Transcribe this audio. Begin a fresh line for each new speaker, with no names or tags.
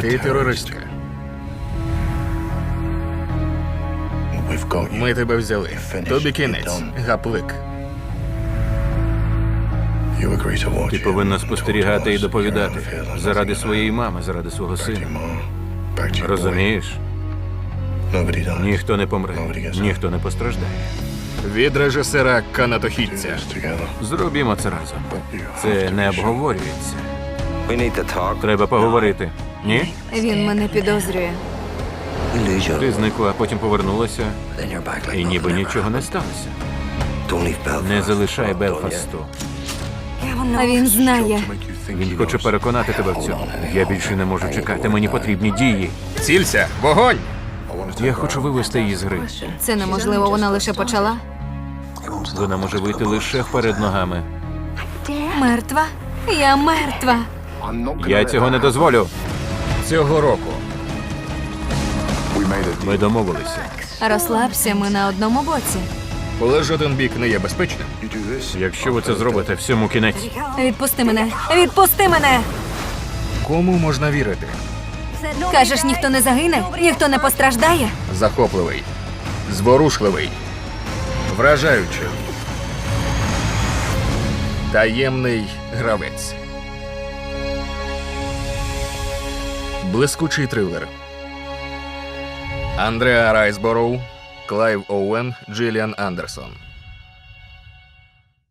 Ти терористка. Ми тебе взяли. Тобі кінець. Гаплик.
Ти повинна спостерігати і доповідати. Заради своєї мами, заради свого сина. Розумієш? Ніхто не помре, ніхто не постраждає.
Від режисера канатохідця.
Зробімо це разом. Це не обговорюється. Треба поговорити. Ні?
Він мене підозрює.
Ти зникла, а потім повернулася, і ніби нічого не сталося. Не залишай Белфасту.
А він знає.
Він хоче переконати тебе в цьому. Я більше не можу чекати, мені потрібні дії.
Цілься! Вогонь!
Я хочу вивести її з гри.
Це неможливо, вона лише почала.
Вона може вийти лише вперед ногами.
Мертва? Я мертва.
Я цього не дозволю.
Цього року.
Ми домовилися.
Розслабся, ми на одному боці.
Коли жоден бік не є безпечним,
Якщо ви це зробите, всьому кінець.
Відпусти мене! Відпусти мене!
кому можна вірити?
Кажеш, ніхто не загине? Ніхто не постраждає?
Захопливий. Зворушливий. Вражаючий. Таємний гравець. Блискучий трилер. Андреа Райсбороу, Клайв Оуен, Джиліан Андерсон.